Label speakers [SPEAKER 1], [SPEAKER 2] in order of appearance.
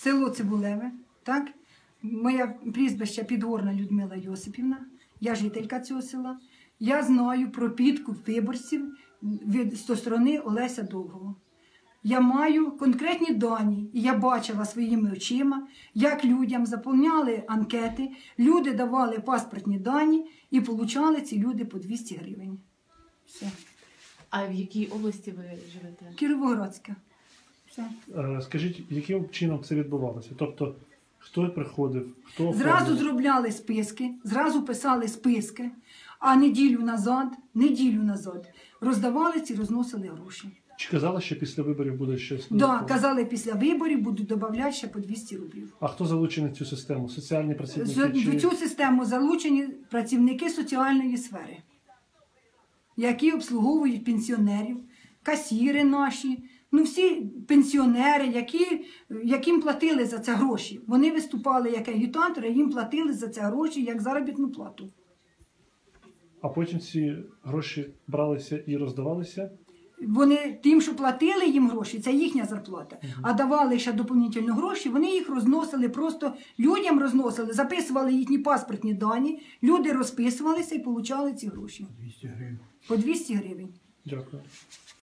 [SPEAKER 1] село Цибулеве, так? Моє прізвище Підгорна Людмила Йосипівна, я жителька цього села. Я знаю про підкуп виборців зі сторони Олеся Довгого. Я маю конкретні дані, і я бачила своїми очима, як людям заповняли анкети, люди давали паспортні дані і отримали ці люди по 200 гривень. Все.
[SPEAKER 2] А в якій області ви живете?
[SPEAKER 1] Кіровоградська. Все.
[SPEAKER 3] Скажіть, яким чином це відбувалося? Тобто, хто приходив, хто
[SPEAKER 1] Зразу
[SPEAKER 3] оформив?
[SPEAKER 1] зробляли списки, зразу писали списки, а неділю назад роздавали ці, розносили гроші.
[SPEAKER 3] Чи казали, що після виборів буде щось?
[SPEAKER 1] Так,
[SPEAKER 3] додаткове?
[SPEAKER 1] казали, після виборів будуть додавати ще по 200 рублів.
[SPEAKER 3] А хто залучений в цю систему? Соціальні працівники?
[SPEAKER 1] В цю систему залучені працівники соціальної сфери, які обслуговують пенсіонерів, касіри наші, ну всі пенсіонери, яким платили за це гроші. Вони виступали як агітатори, їм платили за це гроші як заробітну плату.
[SPEAKER 3] А потім ці гроші бралися і роздавалися?
[SPEAKER 1] Вони тим, що платили їм гроші, це їхня зарплата. А давали ще доповнительно гроші, вони їх розносили, просто людям розносили, записували їхні паспортні дані, люди розписувалися і отримали ці гроші.
[SPEAKER 4] 200 гривень.
[SPEAKER 1] По 200 гривень.
[SPEAKER 3] Дякую.